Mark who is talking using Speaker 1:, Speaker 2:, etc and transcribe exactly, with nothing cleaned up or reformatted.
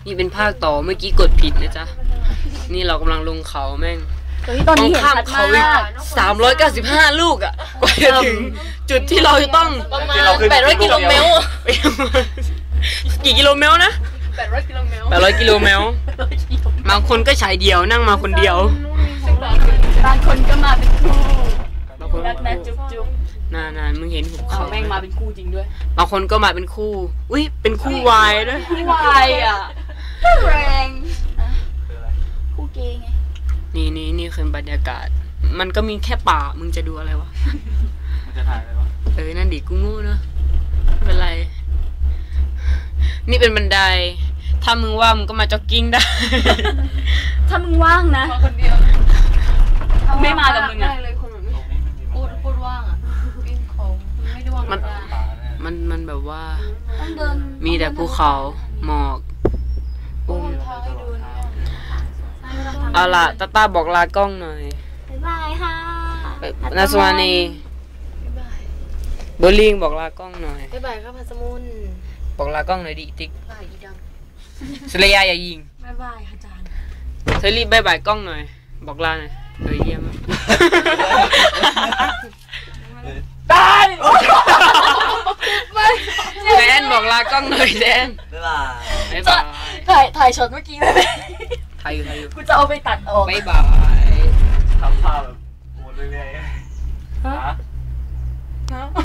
Speaker 1: นี่เป็นภาคต่อเมื่อกี้กดผิดนะจ๊ะนี่เรากำลังลงเขาแม่ง
Speaker 2: ตอนนี้เห็น
Speaker 1: ข้าม
Speaker 2: ชัด
Speaker 1: เขา
Speaker 2: มาก
Speaker 1: สามร้อยเก้าสิบห้าลูกอ่ะกว่าจะถึงจุดที่เราจะต้อง
Speaker 2: ประมาณแปดร้อยกิโลเมตร
Speaker 1: กี่กิโลเมตรนะ
Speaker 2: แปดร้อยกิโลเมตร
Speaker 1: แปดร้อยกิโลเมตรบางคนก็ฉายเดียวนั่งมาคนเดียว
Speaker 2: บางคนก็มาเป็นคู่รักนะจุ๊บจุ๊บ
Speaker 1: นานๆมึงเห็นหุบเขา
Speaker 2: แม่งมาเป็นคู่จริงด้วย
Speaker 1: บางคนก็มาเป็นคู่อุ้ยเป็นคู่วายด้วย
Speaker 2: คู่วายอ่ะแรงคู่เกย์ไง
Speaker 1: นี่นี่นี่คือบรรยากาศ มันก็มีแค่ป่ามึงจะดูอะไรวะ
Speaker 3: มันจะถ่ายอะไรวะ
Speaker 1: เออนั่นดิกูโง่เนอะไม่เป็นไรนี่เป็นบันไดถ้ามึงว่ามึงก็มาจ็อกกิ้งได้
Speaker 2: ถ้ามึงว่างนะ
Speaker 4: คนเดียว
Speaker 2: ไม่มากับมึงอ่ะ
Speaker 4: เลยคนแบบนี้พูดพูดว่างอ่ะวิ่งของไม่ได้ว่าง
Speaker 1: มันมันมันแบบว่า
Speaker 2: ต้องเดิน
Speaker 1: มีแต่ภูเขาหมอกอุ้ม
Speaker 4: ทางให้ดูนะ
Speaker 1: เอาล่ะตาตาบอกลากล้องหน่อย
Speaker 2: บ๊ายบายค่ะ
Speaker 1: นาสวานีโบลิ่งบอกลากล้องหน่อย
Speaker 4: บ๊ายบายครับพัสมุน
Speaker 1: บอกลากล้องหน่อยดิติ๊ก
Speaker 4: บายอีดัง
Speaker 1: สเลยาอย่ายิง
Speaker 4: บ๊ายบายอาจารย์
Speaker 1: เธอรีบบายบายกล้องหน่อยบอกลาหน่อยเออเยี่ยมมากได้แดนบอกลากล้องหน่อยแดน
Speaker 3: บ๊ายบาย
Speaker 1: บ๊ายบาย
Speaker 2: ถ่ายถ่ายช็อตเมื่อกี้เลย
Speaker 1: ไทยอยู่ไทยอยู่
Speaker 2: กูจะเอาไปตัดออก
Speaker 1: บ๊ายบาย
Speaker 3: ทำภาพแบบวนเรื่อยๆฮะ